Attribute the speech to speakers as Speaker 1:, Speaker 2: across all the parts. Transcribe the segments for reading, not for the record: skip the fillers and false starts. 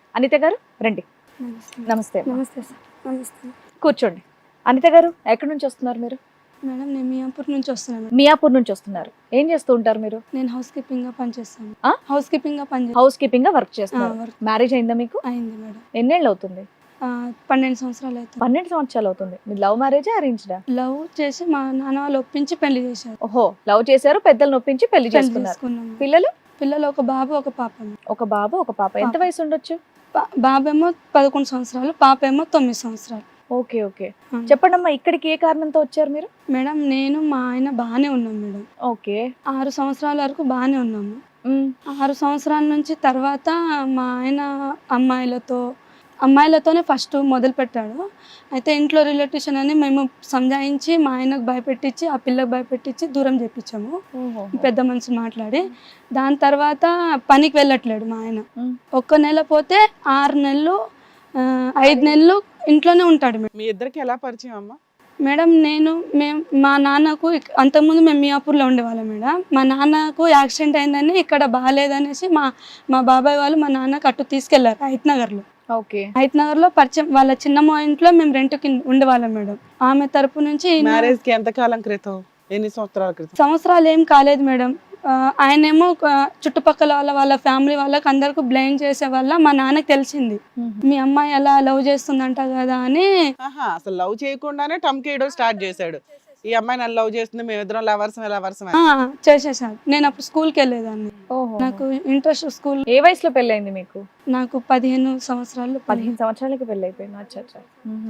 Speaker 1: అనిత గారు రండి.
Speaker 2: నమస్తే.
Speaker 1: నమస్తే.
Speaker 2: నమస్తే సార్. నమస్తే
Speaker 1: కూర్చోండి. అనిత గారు ఎక్కడి నుంచి వస్తున్నారు మీరు?
Speaker 2: మేడం, నేను మియాపూర్ నుంచి వస్తున్నాను మేడం.
Speaker 1: మియాపూర్ నుంచి వస్తున్నారు. ఏం చేస్తూ ఉంటారు మీరు?
Speaker 2: నేను హౌస్ కీపింగ్ గా పనిచేస్తాను.
Speaker 1: ఆ?
Speaker 2: హౌస్ కీపింగ్ గా పనిచేస్తాను.
Speaker 1: హౌస్ కీపింగ్ గా వర్క్ చేస్తున్నారు.
Speaker 2: వర్క్
Speaker 1: మ్యారేజ్ అయిందా మీకు?
Speaker 2: అయింది మేడం.
Speaker 1: ఎన్నేళ్ళు అవుతుంది?
Speaker 2: 12 సంవత్సరాలు అవుతుంది.
Speaker 1: 12 సంవత్సరాలు అవుతుంది. మీ లవ్ మ్యారేజా అరేంజ్డా?
Speaker 2: లవ్ చేసి మా నాన్న వాళ్ళు ఒప్పించి పెళ్లి చేశారు.
Speaker 1: ఓహో, లవ్ చేశారు, పెద్దలు నొప్పించి పెళ్లి చేసుకున్నారు.
Speaker 2: చేసుకున్నాము.
Speaker 1: పిల్లలు?
Speaker 2: పిల్లలు ఒక బాబు ఒక పాప.
Speaker 1: ఒక బాబు ఒక పాప. ఎంత వయసు ఉండొచ్చు?
Speaker 2: బాబేమో 11 సంవత్సరాలు, పాప ఏమో 9 సంవత్సరాలు.
Speaker 1: Okay okay. చెప్పండి అమ్మా, ఇక్కడికి ఏ కారణంతో వచ్చారు మీరు?
Speaker 2: మేడం, నేను మా ఆయన బాగానే ఉన్నాం మేడం.
Speaker 1: ఓకే.
Speaker 2: 6 సంవత్సరాల వరకు బాగానే ఉన్నాము. 6 సంవత్సరాల నుంచి తర్వాత మా ఆయన అమ్మాయిలతోనే ఫస్ట్ మొదలు పెట్టాడు. అయితే ఇంట్లో రిలేటివ్స్ అని మేము సంజాయించి మా ఆయనకు భయపెట్టించి ఆ పిల్లకు భయపెట్టించి దూరం చేపించాము, పెద్ద మనిషి మాట్లాడి. దాని తర్వాత పనికి వెళ్ళట్లేడు మా ఆయన. 1 నెల పోతే 6 నెలలు 5 నెలలు ఇంట్లోనే ఉంటాడు మేడం.
Speaker 3: మీ ఇద్దరికి ఎలా పరిచయం అమ్మా?
Speaker 2: మేడం, మా నాన్నకు అంతకుముందు మేము మియాపూర్లో ఉండేవాళ్ళం మేడం. మా నాన్నకు యాక్సిడెంట్ అయిందని ఇక్కడ బాగాలేదనేసి మా బాబాయ్ వాళ్ళు మా నాన్నకు అటు తీసుకెళ్లారు హైత్నగర్లో.
Speaker 1: ఓకే.
Speaker 2: హైత్నగర్లో పరిచయం వాళ్ళ చిన్నమ్మ ఇంట్లో మేము రెంట్కి ఉండేవాళ్ళం మేడం. ఆమె తరపు నుంచి
Speaker 3: మ్యారేజ్ కి ఎంత కాలం క్రితం? ఎన్ని సంవత్సరాల క్రితం?
Speaker 2: సంవత్సరాలు ఏం కాలేదు మేడం. ఆయనేమో చుట్టుపక్కల వాళ్ళ ఫ్యామిలీ వాళ్ళకి అందరికి బ్లేమ్ చేసే వల్ల మా నాన్నకి తెలిసింది, మీ అమ్మాయి అలా లవ్ చేస్తుందంట కదా అని.
Speaker 3: అసలు లవ్ చేయకుండానే టమ్కేయడం స్టార్ట్ చేశాడు. ఈ అమ్మాయి నన్ను లవ్ చేస్తుంది, మేమిద్దరం లవర్స్
Speaker 2: చేసేసాడు. నేను అప్పుడు స్కూల్కి వెళ్ళేదాన్ని. నాకు ఇంట్రెస్ట్ స్కూల్.
Speaker 1: ఏ వయసులో పెళ్ళైంది మీకు?
Speaker 2: నాకు 15 సంవత్సరాలు.
Speaker 1: 15 సంవత్సరాలకి పెళ్ళి అయిపోయింది. అచ్చా.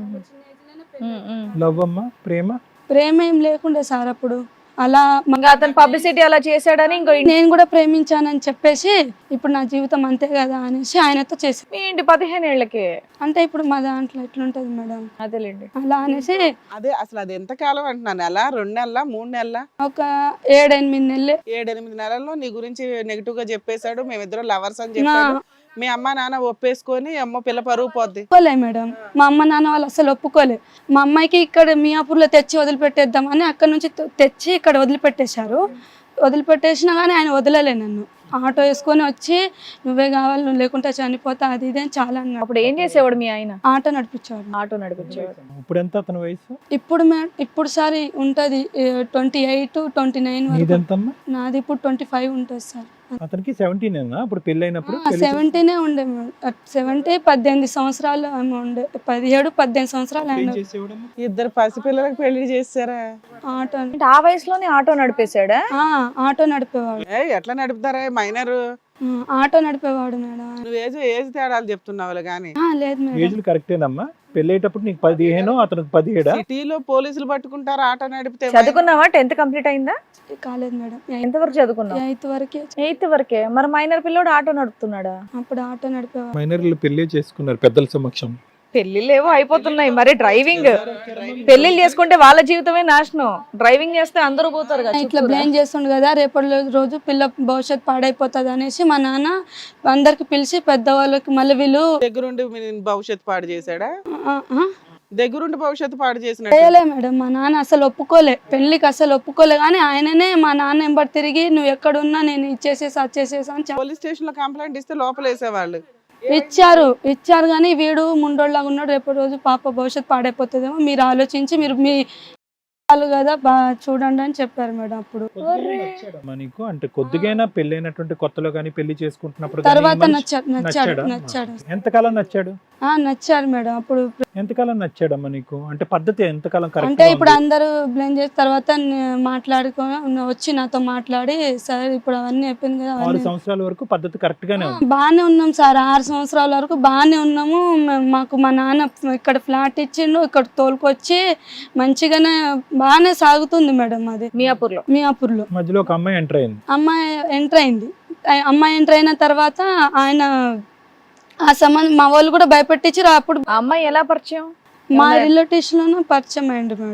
Speaker 4: లవ్ అమ్మా?
Speaker 2: ప్రేమ ఏం లేకుండే సార్ అప్పుడు. అలా
Speaker 1: అతను పబ్లిసిటీ అలా చేశాడని ఇంకో
Speaker 2: నేను కూడా ప్రేమించానని చెప్పేసి ఇప్పుడు నా జీవితం అంతే కదా అనేసి ఆయనతో చేసి.
Speaker 1: ఏంటి 15 ఏళ్ళకి?
Speaker 2: అంటే ఇప్పుడు మా దాంట్లో ఎట్లుంటది మేడం,
Speaker 1: అదేలేండి.
Speaker 2: అలా అనేసి.
Speaker 3: అదే అసలు అది ఎంత కాలం అంటున్నాను? నెల, 2 నెలల, 3 నెలల?
Speaker 2: ఒక 7-8 నెలలు.
Speaker 3: 7-8 నెలల్లో నీ గురించి నెగిటివ్ గా చెప్పేశాడు, మేమిద్దరం లవర్స్ అని చెప్పాడు. మీ అమ్మ నాన్న ఒప్పేసుకొని అమ్మ పిల్ల పరుగు పోద్ది.
Speaker 2: ఒప్పుకోలే మేడం, మా అమ్మ నాన్న వాళ్ళు అసలు ఒప్పుకోలే. మా అమ్మాయికి ఇక్కడ మియాపూర్లో తెచ్చి వదిలిపెట్టేద్దామని అక్కడ నుంచి తెచ్చి ఇక్కడ వదిలిపెట్టేశారు. వదిలిపెట్టేసినా కానీ ఆయన వదలలే నన్ను. ఆటో వేసుకొని వచ్చి నువ్వే కావాలి, నువ్వు లేకుంటే చనిపోతా, అది ఇది అని చాలా అన్నాడు.
Speaker 1: అప్పుడు ఏం చేసేవాడు మీ ఆయన?
Speaker 2: ఆటో నడిపించేవాడు.
Speaker 1: ఆటో నడిపించేవాడు.
Speaker 4: ఇప్పుడు ఎంత అతని వయసు?
Speaker 2: ఇప్పుడు సారి ఉంటది 28-29 వరకు. నాది ఇప్పుడు 25 ఉంటుంది సార్.
Speaker 4: అతనికి 17 అప్పుడు పెళ్లి అయినప్పుడు?
Speaker 2: 17 ఉండే 18 సంవత్సరాలు ఉండే. 17-18 సంవత్సరాలు ఆయన.
Speaker 3: ఇద్దరు పసిపిల్లలకు పెళ్లి చేస్తారా?
Speaker 2: ఆటో
Speaker 1: ఆ వయసులోనే ఆటో నడిపేశాడా?
Speaker 2: ఆటో నడిపేవాడు.
Speaker 3: ఎట్లా నడుపుతారా మైనర్?
Speaker 2: ఆటో నడిపేవాడు మేడం.
Speaker 3: నువ్వు ఏజ్ తేడాలు చెప్తున్నావు కానీ.
Speaker 2: లేదు మేడం,
Speaker 4: ఏజ్లు కరెక్టేనమ్మా. పెళ్లి అయ్యేటప్పుడు నీకు 15, అతనికి 17.
Speaker 3: సిటీలో పోలీసులు పట్టుకుంటారు ఆటో నడిపితే.
Speaker 1: చదువుకున్నావా? 10th కంప్లీట్ అయిందా?
Speaker 2: కాలేదు మేడం.
Speaker 1: ఎంతవరకు చదువుకున్నావు?
Speaker 2: 8th వరకే.
Speaker 1: 8th వరకే. మరి మైనర్ పిల్లోడు ఆటో నడుపుతున్నాడా?
Speaker 2: అప్పుడు ఆటో నడిపేవాడు.
Speaker 4: మైనర్లు పెళ్లి చేసుకున్నారు పెద్దల సమక్షం.
Speaker 1: పెళ్లిళ్ళేవో అయిపోతున్నాయి, మరి డ్రైవింగ్ పెళ్లిళ్ళు చేసుకుంటే వాళ్ళ జీవితమే నాశనం. డ్రైవింగ్ చేస్తే అందరూ పోతారు కదా.
Speaker 2: ఇట్లా బ్లేమ్ చేస్తుండు కదా, రేపటి రోజు పిల్ల భవిష్యత్తు పాడైపోతుంది అనేసి మా నాన్న అందరికి పిలిచి పెద్దవాళ్ళకి మళ్ళీ వీళ్ళు
Speaker 3: దగ్గరుండి భవిష్యత్తు పాడు చేశాడా? దగ్గరుండి భవిష్యత్తు పాడు చేసిన
Speaker 2: చేయలే మేడం. మా నాన్న అసలు ఒప్పుకోలే, పెళ్లికి అసలు ఒప్పుకోలే. కానీ ఆయననే మా నాన్న ఎంబడి తిరిగి నువ్వు ఎక్కడున్నా నేను ఇచ్చేసేసా అని
Speaker 3: పోలీస్ స్టేషన్ లో కంప్లైంట్ ఇస్తే లోపల వేసేవాళ్ళు.
Speaker 2: ఇచ్చారు కానీ వీడు ముండోళ్ళగా ఉన్నాడు. రేపు రోజు పాప భవిష్యత్తు పాడైపోతుందేమో, మీరు ఆలోచించి మీరు మీ కదా చూడండి అని చెప్పారు మేడం. అప్పుడు
Speaker 4: నీకు అంటే కొద్దిగైనా పెళ్ళైనటువంటి కొత్తలో కానీ పెళ్లి చేసుకుంటున్నప్పుడు
Speaker 2: తర్వాత నచ్చాడు.
Speaker 4: ఎంతకాలం నచ్చాడు?
Speaker 2: నచ్చాడు మేడం. అప్పుడు
Speaker 4: ఎంతకాలం నచ్చాడమ్మా నీకు? అంటే పద్ధతి ఎంతకాలం?
Speaker 2: అంటే ఇప్పుడు అందరూ బ్లేమ్ చేసిన తర్వాత మాట్లాడుకొని వచ్చి నాతో మాట్లాడి, సార్ ఇప్పుడు అవన్నీ అయిపోయింది కదా.
Speaker 4: 6 సంవత్సరాల వరకు పద్ధతి కరెక్ట్ గానే ఉంది.
Speaker 2: బాగానే ఉన్నాం సార్. 6 సంవత్సరాల వరకు బాగానే ఉన్నాము. మాకు మా నాన్న ఇక్కడ ఫ్లాట్ ఇచ్చిండు, ఇక్కడ తోలుకొచ్చి మంచిగానే బాగానే సాగుతుంది మేడం. అది మియాపూర్లో
Speaker 4: మధ్యలో ఒక అమ్మాయి ఎంటర్ అయింది.
Speaker 2: అమ్మాయి ఎంటర్ అయిన తర్వాత ఆయన ఆ సంబంధం మా వాళ్ళు కూడా భయపెట్టించి అప్పుడు.
Speaker 1: ఆ అమ్మాయి ఎలా పరిచయం?
Speaker 2: మా రిలేటివ్స్ లోనే పరిచయం అయ్యింది మేడం.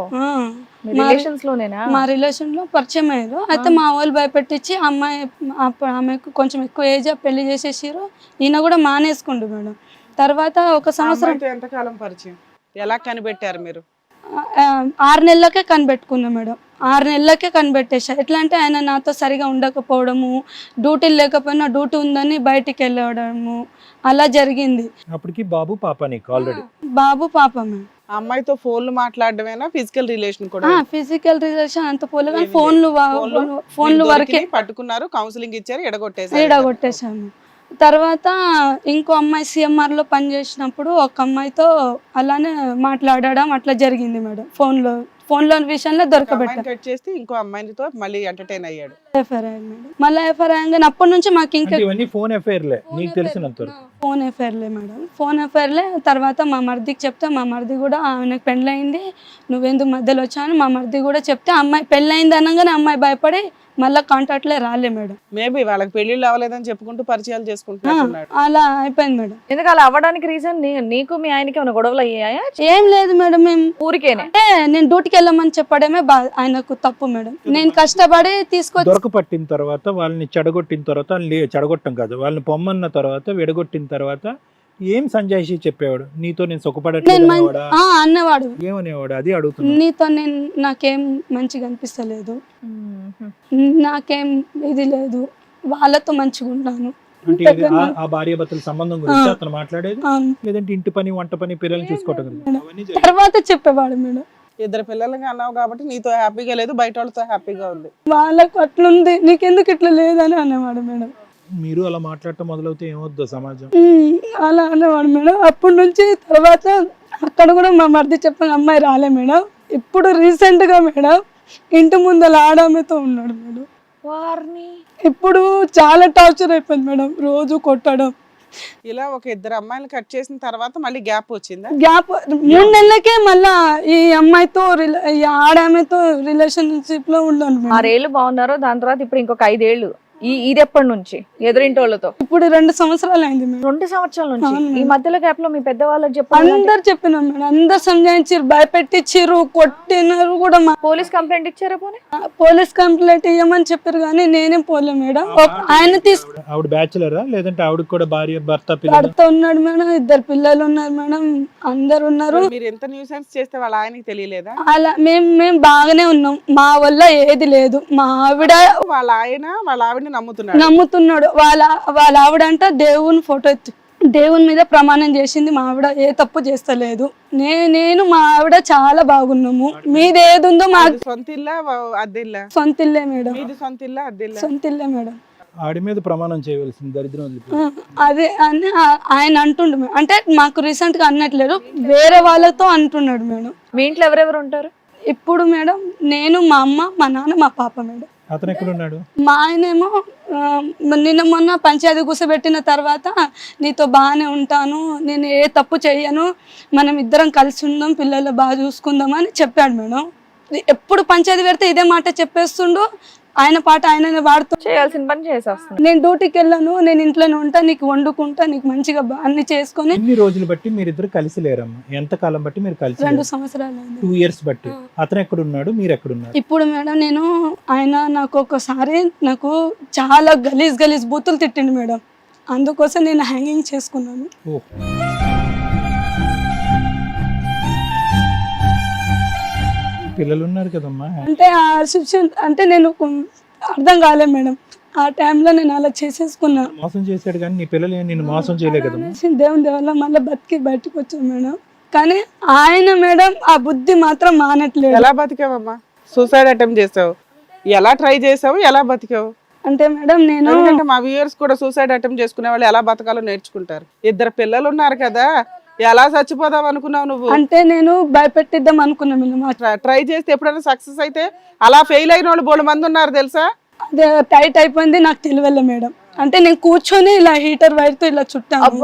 Speaker 2: మా రిలేషన్ లో పరిచయం అయ్యారు. అయితే మా వాళ్ళు భయపెట్టించి ఆమెకు కొంచెం ఎక్కువ ఏజ్ పెళ్లి చేసేసారు. ఈయన కూడా మానేసుకుండు మేడం. తర్వాత 1 సంవత్సరం.
Speaker 3: ఎంతకాలం పరిచయం? ఎలా కనిపెట్టారు మీరు?
Speaker 2: 6 నెలలకే కనిపెట్టుకున్నాం మేడం. 6 నెలలకే కనిపెట్టేసా. ఎట్లా అంటే ఆయన నాతో సరిగా ఉండకపోవడము, డ్యూటీలు లేకపోయినా డ్యూటీ ఉందని బయటికి వెళ్ళడము అలా జరిగింది.
Speaker 4: అప్పటికి బాబు పాప నీకు ఆల్రెడీ.
Speaker 2: బాబు పాపమే.
Speaker 3: ఆ అమ్మాయితో ఫోన్లు మాట్లాడడమేనా, ఫిజికల్ రిలేషన్ కూడా?
Speaker 2: ఫిజికల్ రిలేషన్ అంత పోలే కానీ
Speaker 3: ఏమీ
Speaker 2: ఫోన్లు వరకే
Speaker 3: పట్టుకున్నారు, కౌన్సిలింగ్ ఇచ్చారు, ఎడగొట్టేసారు.
Speaker 2: ఈడగొట్టేశాను. తర్వాత ఇంకో అమ్మాయి CMR లో పనిచేసినప్పుడు ఒక అమ్మాయితో అలానే మాట్లాడడం అట్లా జరిగింది మేడం. ఫోన్లో విషయంలో దొరకబెట్టారు.
Speaker 3: కట్ చేస్తే ఇంకో అమ్మాయితో మళ్ళీ ఎంటర్టైన్ అయ్యాడు.
Speaker 2: ఎఫ్ఐఆర్ అయ్యింది మేడం. మళ్ళీ ఎఫ్ఐఆర్ అయ్యాక అప్పటి నుంచి మాకు ఇంకా
Speaker 4: అంటే ఇవన్నీ ఫోన్ అఫైర్లే నీకు తెలిసినంత వరకు.
Speaker 2: ఫోన్ ఎఫ్ఐఆర్లే మేడం. ఫోన్ ఎఫ్ఐఆర్లే. తర్వాత మా మరిదికి చెప్తే మా మరిది కూడా ఆమెకు పెళ్ళయింది, నువ్వెందుకు మధ్యలో వచ్చాను మా మరిది కూడా చెప్తే అమ్మాయి పెళ్ళయింది అనగానే అమ్మాయి భయపడి మళ్ళీ కాంటాక్ట్లే రాలే మేడం.
Speaker 3: మేబీ వాళ్ళకి పెళ్లిళ్ళు అవ్వలేదని చెప్పుకుంటూ పరిచయాలు చేసుకుంటున్నాడు.
Speaker 2: అలా అయిపోయింది మేడం.
Speaker 1: ఎందుకు అలా అవ్వడానికి రీజన్ నీకు మీ ఆయనకి ఏమైనా గొడవలు అయ్యాయా?
Speaker 2: ఏం లేదు మేడం, మేము
Speaker 1: ఊరికేనే
Speaker 2: అంటే నేను డ్యూటీకి వెళ్ళమని చెప్పడమే ఆయనకు తప్పు మేడం. నేను కష్టపడి తీసుకొచ్చి
Speaker 4: దొరకపట్టిన తర్వాత వాళ్ళని చెడగొట్టిన తర్వాత చెడగొట్టం కాదు, వాళ్ళని పొమ్మన్న తర్వాత విడగొట్టిన తర్వాత ఏం సంజాయిషి చెప్పేవాడు? నీతో నేను సుఖపడట్లేదు అనేవాడా?
Speaker 2: అన్నవాడు.
Speaker 4: ఏమనేవాడు? అది అడుగుతున్నా.
Speaker 2: నీతో నాకేం మంచిగా అనిపిస్తలేదు, నాకేం ఇది లేదు, వాళ్ళతో మంచిగా ఉంటాను.
Speaker 4: అంటే ఇది ఆ భార్య భర్తల సంబంధం గురించి అతను మాట్లాడేది, లేదంటే ఇంటి పని వంట పని పిల్లల్ని చూసుకోవటం గురించి?
Speaker 2: తర్వాత చెప్పేవాడు మేడం.
Speaker 3: ఇద్దరు పిల్లలకి అన్నావు కాబట్టి నీతో హ్యాపీగా లేదు, బయట వాళ్ళతో హ్యాపీగా ఉంది.
Speaker 2: వాళ్ళకు అట్లుంది, నీకెందుకు ఇట్లా లేదని అనేవాడు మేడం.
Speaker 4: మీరు అలా మాట్లాడటం మొదలవుతే ఏమవుద్దో సమాజం?
Speaker 2: అలా అనేవాడు మేడం. అప్పటి నుంచి తర్వాత అక్కడ కూడా మా మరిది చెప్పిన అమ్మాయి రాలే మేడం. ఇప్పుడు రీసెంట్ గా మేడం ఇంటి ముందర ఆడామెతో ఉన్నాడు మేడం.
Speaker 1: వారిని
Speaker 2: ఇప్పుడు చాలా టార్చర్ అయిపోయింది మేడం, రోజు కొట్టడం.
Speaker 3: ఇలా ఒక ఇద్దరు అమ్మాయిలు కట్ చేసిన తర్వాత మళ్ళీ గ్యాప్ వచ్చిందా?
Speaker 2: గ్యాప్ 3 నెలలకే మళ్ళా ఈ అమ్మాయితో ఈ ఆడామెతో రిలేషన్షిప్ లో ఉన్నాను మేడం.
Speaker 1: 6 ఏళ్ళు బాగున్నారు, దాని తర్వాత ఇప్పుడు ఇంకొక 5 ఏళ్ళు. ఇది ఎప్పటి నుంచి ఎదురింటి వాళ్ళతో?
Speaker 2: ఇప్పుడు 2 సంవత్సరాలు అయింది మేడం.
Speaker 1: 2 సంవత్సరాల నుంచి. ఈ మధ్యలో గ్యాప్ లో మీ పెద్దవాళ్ళకి
Speaker 2: అందరు చెప్పినాం మేడం, అందరు సంజాయించారు, భయపెట్టించారు, కొట్టినారు కూడా.
Speaker 1: పోలీస్ కంప్లైంట్ ఇచ్చారా? పోనీ
Speaker 2: పోలీస్ కంప్లైంట్ ఇవ్వమని చెప్పారు కానీ నేనే పోలే మేడం. ఆయన
Speaker 4: ఆవిడ బ్యాచులరా లేదంటే ఆవిడ కూడా భార్య భర్త
Speaker 2: భర్త ఉన్నాడు మేడం, 2 పిల్లలు ఉన్నారు మేడం, అందరు ఉన్నారు.
Speaker 3: మీరు ఎంత న్యూసెన్స్ చేస్తే వాళ్ళ ఆయనకి తెలియలేదా?
Speaker 2: అలా మేము బాగానే ఉన్నాం, మా వల్ల ఏది లేదు. మా ఆవిడ
Speaker 3: వాళ్ళ ఆవిడ
Speaker 2: నమ్ముతున్నాడు. వాళ్ళ ఆవిడంట దేవుని ఫోటో ఎత్తి దేవుని మీద ప్రమాణం చేసింది, మా ఆవిడ ఏ తప్పు చేస్తలేదు, నేను మా ఆవిడ చాలా బాగున్నాము. మీది ఏది ఉందో మాకు
Speaker 3: సొంత ఇల్లా అద్దెల్లా?
Speaker 2: సొంత ఇల్లే మేడం.
Speaker 3: మీది సొంత ఇల్లా అద్దెల్లా?
Speaker 2: సొంత ఇల్లే మేడం.
Speaker 4: ఆడి మీద ప్రమాణం చేయవలసింది దరిద్రం.
Speaker 2: అదే అని ఆయన అంటుండు మేడం. అంటే మాకు రీసెంట్ గా అన్నట్లేదు, వేరే వాళ్ళతో అంటున్నాడు మేడం.
Speaker 1: మీ ఇంట్లో ఎవరెవరు ఉంటారు
Speaker 2: ఇప్పుడు మేడం? నేను, మా అమ్మ, మా నాన్న, మా పాప మేడం.
Speaker 4: అతను ఎక్కడ ఉన్నాడు?
Speaker 2: మా ఆయనేమో నిన్న మొన్న పంచాయతీ కూర్చోబెట్టిన తర్వాత నీతో బాగానే ఉంటాను, నేను ఏ తప్పు చెయ్యను, మనం ఇద్దరం కలిసి ఉందాం, పిల్లలు బాగా చూసుకుందాం అని చెప్పాడు మేడం. ఎప్పుడు పంచాయతీ పెడితే ఇదే మాట చెప్పేస్తుండు, ఆయన పాట ఆయననే వాడుతూ
Speaker 1: చేయాల్సిన పని చేసేస్తాను.
Speaker 2: నేను డ్యూటీకి వెళ్ళాను, నేను ఇంట్లోనే ఉంటా, నీకు వండుకుంటా, నీకు మంచిగా అన్ని చేసుకొని.
Speaker 4: ఎన్ని రోజులు బట్టి మీరిద్దరు కలిసి లేరమ్మా? ఎంత కాలం బట్టి మీరు కలిసి?
Speaker 2: 2 సంవత్సరాలు.
Speaker 4: 2 ఇయర్స్ బట్టి. అతను ఎక్కడున్నాడు, మీరు ఎక్కడున్నారు?
Speaker 2: ఇప్పుడు మేడం ఆయన నాకు ఒకసారి చాలా గలీజ్ బూతులు తిట్టిండు మేడం, అందుకోసం నేను హ్యాంగింగ్ చేసుకున్నాను.
Speaker 4: పిల్లలు ఉన్నారు కదమ్మా.
Speaker 2: అంటే ఆ సిచ్యువేషన్ అంటే నేను అర్థం కాలేదు మేడం, ఆ టైంలో నేను అలా చేసేసుకున్నా.
Speaker 4: మోసం చేశాడు కానీ నీ పిల్లలు నిన్ను మోసం చేయలే కదమ్మా.
Speaker 2: దేవుని దేవల్ల మళ్ళీ బతికి బయటకు వచ్చాను మేడం. కానీ ఆయన మేడం ఆ బుద్ధి మాత్రం మానట్లేదు.
Speaker 3: ఎలా బతికావమ్మా? సూసైడ్ అటెంప్ట్ చేసావు, ఎలా ట్రై చేసావు, ఎలా బతికావు?
Speaker 2: అంటే మేడం
Speaker 3: ఎందుకంటే మా వ్యూయర్స్ కూడా సూసైడ్ అటెంప్ట్ చేసుకునే వాళ్ళు ఎలా బతకాలో నేర్చుకుంటారు. 2 పిల్లలు ఉన్నారు కదా, ఎలా చచ్చిపోదాం అనుకున్నావు నువ్వు?
Speaker 2: అంటే నేను భయపెట్టిద్దాం అనుకున్నాను.
Speaker 3: ట్రై చేస్తే ఎప్పుడైనా సక్సెస్ అయితే అలా ఫెయిల్ అయిన వాళ్ళు బోల్డ్ మంది ఉన్నారు తెలుసా?
Speaker 2: అదే టైట్ అయిపోయింది, నాకు తెలియలే మేడం. అంటే నేను కూర్చొని ఇలా హీటర్ వైర్తో ఇలా చుట్టాను,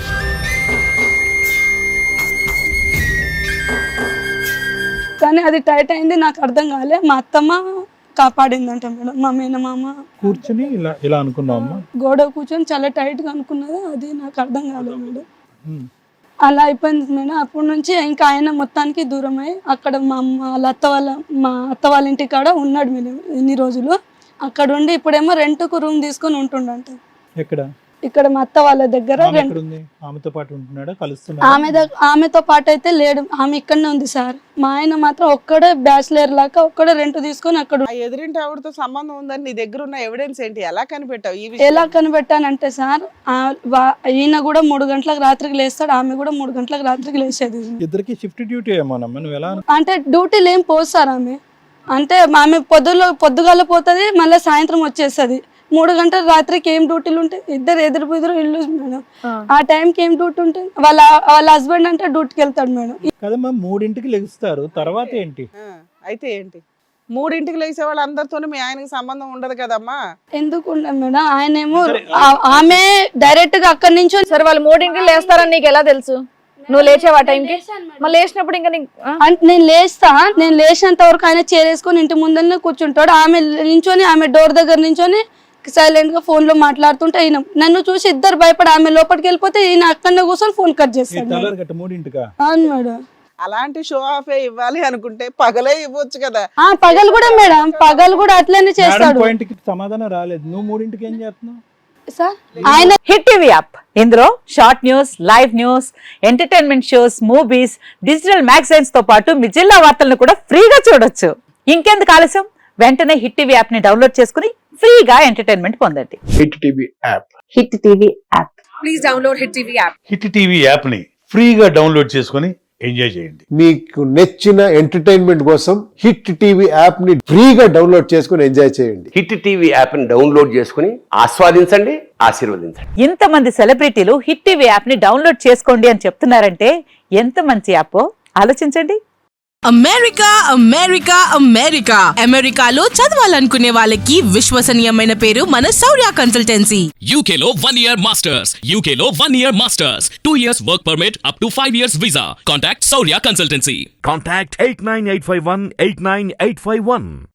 Speaker 2: కానీ అది టైట్ అయింది, నాకు అర్థం కాలే. మా అత్తమ్మ కాపాడిందంట మేడం, మా మేనమామ.
Speaker 4: కూర్చొని ఇలా అనుకున్నావమ్మా?
Speaker 2: గోడ కూర్చొని చాలా టైట్ గా అనుకున్నది, అది నాకు అర్థం కాలేదు మేడం. అలా అయిపోయింది మేడం. అప్పటి నుంచి ఇంకా ఆయన మొత్తానికి దూరం అయ్యి అక్కడ మా అత్త వాళ్ళ ఇంటి కాడ ఉన్నాడు మేడం ఇన్ని రోజులు. అక్కడ ఉండి ఇప్పుడేమో రెంట్కు రూమ్ తీసుకొని ఉంటుండంట.
Speaker 4: ఎక్కడ?
Speaker 2: ఇక్కడ మా అత్త వాళ్ళ దగ్గర
Speaker 4: ఆమె ఎక్కడుంది? ఆమెతో పాటు ఉంటున్నాడా, కలుస్తున్నాడా?
Speaker 2: ఆమెతో పాటు అయితే లేడు, ఆమె ఇక్కడనే ఉంది సార్. మా ఆయన మాత్రం ఒక్కడే బ్యాచిలర్ లాగా ఒక్కడే రెంట్ తీసుకొని అక్కడ
Speaker 3: ఆ ఎదురింటి ఆవిడతో సంబంధం ఉందని నీ దగ్గర ఉన్న ఎవిడెన్స్ ఏంటి? ఎలా కనిపెట్టావు ఈ విషయం?
Speaker 2: ఎలా కనిపెట్టానంటే సార్, ఈయన కూడా 3 గంటలకు రాత్రికి లేస్తాడు, ఆమె కూడా 3 గంటలకు రాత్రికి లేచేది.
Speaker 4: ఇద్దరికి షిఫ్ట్ డ్యూటీ ఏమోనమ్మా, నువ్వు ఎలా?
Speaker 2: అంటే డ్యూటీలు ఏం పోదు సార్ ఆమె. అంటే ఆమె పొద్దుగాల పోతుంది, మళ్ళీ సాయంత్రం వచ్చేస్తుంది. 3 గంటల రాత్రికి ఏం డ్యూటీలు ఉంటాయి? ఇద్దరు ఎదురు ఇల్లు మేడం. ఆ టైంకి ఏం డ్యూటీ ఉంటుంది? వాళ్ళ హస్బెండ్ అంటే డ్యూటీకి వెళ్తాడు మేడం.
Speaker 4: కదమ్మా, 3ంటికి లెగుస్తారు, తర్వాత ఏంటి?
Speaker 3: అయితే ఏంటి 3ంటికి లేచే వాళ్ళు అందరితోనూ మీ ఆయనకి సంబంధం ఉండదు కదమ్మా?
Speaker 2: ఎందుకు ఉండదు మేడం? ఆయన ఏమో ఆమె డైరెక్ట్ గా అక్కడి నుంచి
Speaker 1: సరే వాళ్ళు 3ంటికి లేస్తారని నీకు ఎలా తెలుసు? నువ్వు లేచావు ఆ టైంకి? మళ్ళీ లేచినప్పుడు ఇంకా
Speaker 2: అంటే నేను లేచినంత వరకు ఆయన చేరేసుకొని ఇంటి ముందరనే కూర్చుంటాడు. ఆమె నించొని ఆమె డోర్ దగ్గర నించొని సైలెంట్ గా ఫోన్ లో మాట్లాడుతుంటే ఈయన నన్ను చూసి ఇద్దరు భయపడి ఆమె లోపలికి వెళ్ళిపోతే ఈయన అక్కడనే కూర్చొని ఫోన్ కట్ చేస్తాడు.
Speaker 4: 3ంటికా?
Speaker 2: అవును మేడం.
Speaker 3: అలాంటి షో ఆఫ్ ఇవ్వాలి అనుకుంటే పగలే ఇవ్వచ్చు కదా.
Speaker 2: పగలు కూడా మేడం, పగలు కూడా అట్లనే చేస్తాడు.
Speaker 4: పాయింట్కి సమాధానం రాలేదు. నువ్వు 3ంటికి ఏం చేస్తున్నావు?
Speaker 2: సార్ ఆయన
Speaker 5: హిట్ టీవీ యాప్, ఇందులో short news, live news, entertainment shows, movies, digital magazines తో పాటు మీ జిల్లా వార్తలను కూడా ఫ్రీగా చూడొచ్చు. ఇంకెందుకు ఆలస్యం, వెంటనే హిట్ టీవీ యాప్ ని డౌన్లోడ్ చేసుకుని ఫ్రీగా ఎంటర్టైన్మెంట్ పొందండి.
Speaker 6: Hit TV app.
Speaker 5: Hit TV app.
Speaker 1: Please download hit TV app.
Speaker 7: Hit TV యాప్ని ఫ్రీగా డౌన్లోడ్ చేసుకొని ఎంజాయ్ చేయండి.
Speaker 6: మీకు నచ్చిన ఎంటర్టైన్మెంట్ కోసం హిట్ టీవీ యాప్ ని ఫ్రీగా డౌన్లోడ్ చేసుకుని ఎంజాయ్ చేయండి.
Speaker 8: హిట్ టీవీ యాప్ ని డౌన్లోడ్ చేసుకుని ఆస్వాదించండి, ఆశీర్వదించండి.
Speaker 5: ఇంతమంది సెలబ్రిటీలు హిట్ టీవీ యాప్ ని డౌన్లోడ్ చేసుకోండి అని చెప్తున్నారంటే ఎంత మంచి యాప్ ఆలోచించండి.
Speaker 9: అమెరికా అమెరికా అమెరికా అమెరికాలో చదవాలనుకునే వాళ్ళకి విశ్వసనీయమైన పేరు మన శౌర్య కన్సల్టెన్సీ.
Speaker 10: UK లో 1 year masters, UK లో 1 year masters, 2 years work permit up to 5 years visa. Contact Saurya Consultancy.
Speaker 11: Contact 89851 89851.